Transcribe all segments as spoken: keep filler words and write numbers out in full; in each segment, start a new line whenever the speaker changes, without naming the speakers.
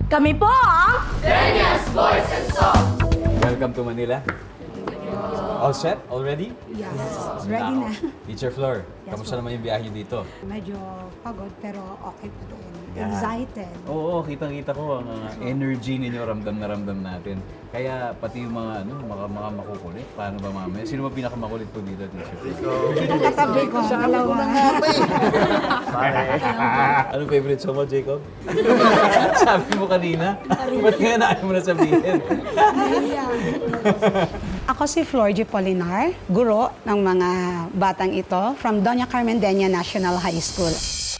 Kami po ang...
Welcome to Manila. All set? Already?
Yes, ready na.
Teacher Flor,
Yes,
kamusta
po.
naman yung biyahe dito?
Medyo pagod pero okay pa din.
Yeah.
Excited.
Oo, kitang-kita ko ang uh, energy ninyo, ramdam na ramdam natin. Kaya pati yung mga, ano, mga, mga makukulit, paano ba mamaya? Sino ba pinakamakulit po dito, Teacher Flor?
Ang katabi ko, dalawa.
Anong favorite song mo, Jacob? Sabi mo kanina. Ba't nga na ayaw mo na sabihin?
Ako si Flor G. Polinar, guro ng mga batang ito from Doña Carmendeña National High School.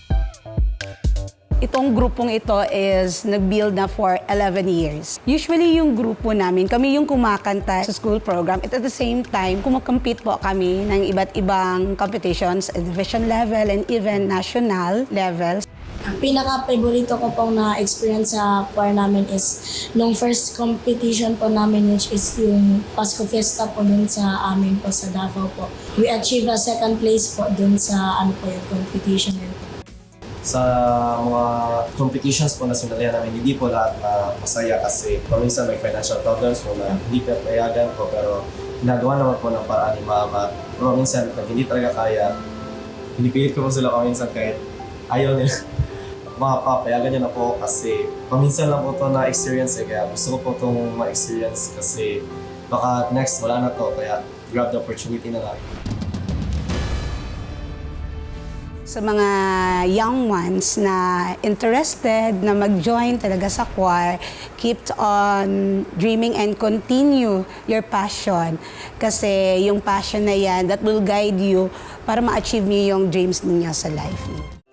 Itong grupong ito is nag-build na for eleven years. Usually yung grupo namin, kami yung kumakanta sa school program. At at the same time, kumukompete po kami ng iba't ibang competitions at division level and even national levels.
Ang pinaka-favorito ko pong na-experience sa choir namin is nung first competition po namin, which is yung Pasko Fiesta po dun sa amin po sa Davao po. We achieved a second place po dun sa ano po yung competition yun po.
Sa mga competitions po na sinalihan namin, hindi po lahat na masaya kasi paminsan may financial problems po na hindi ka payagan po, pero ginagawa naman po ng paraan ni Mama. Pero minsan, pag hindi talaga kaya, pinipilit ko po sila paminsan kahit ayaw nila. Mga papayagan niya na po kasi paminsan lang po ito na-experience eh, kaya gusto ko po itong ma-experience kasi baka next wala na to, kaya grab the opportunity na lang.
Sa mga young ones na interested na mag-join talaga sa choir, keep on dreaming and continue your passion. Kasi yung passion na yan, that will guide you para ma-achieve niyo yung dreams ninyo sa life niyo.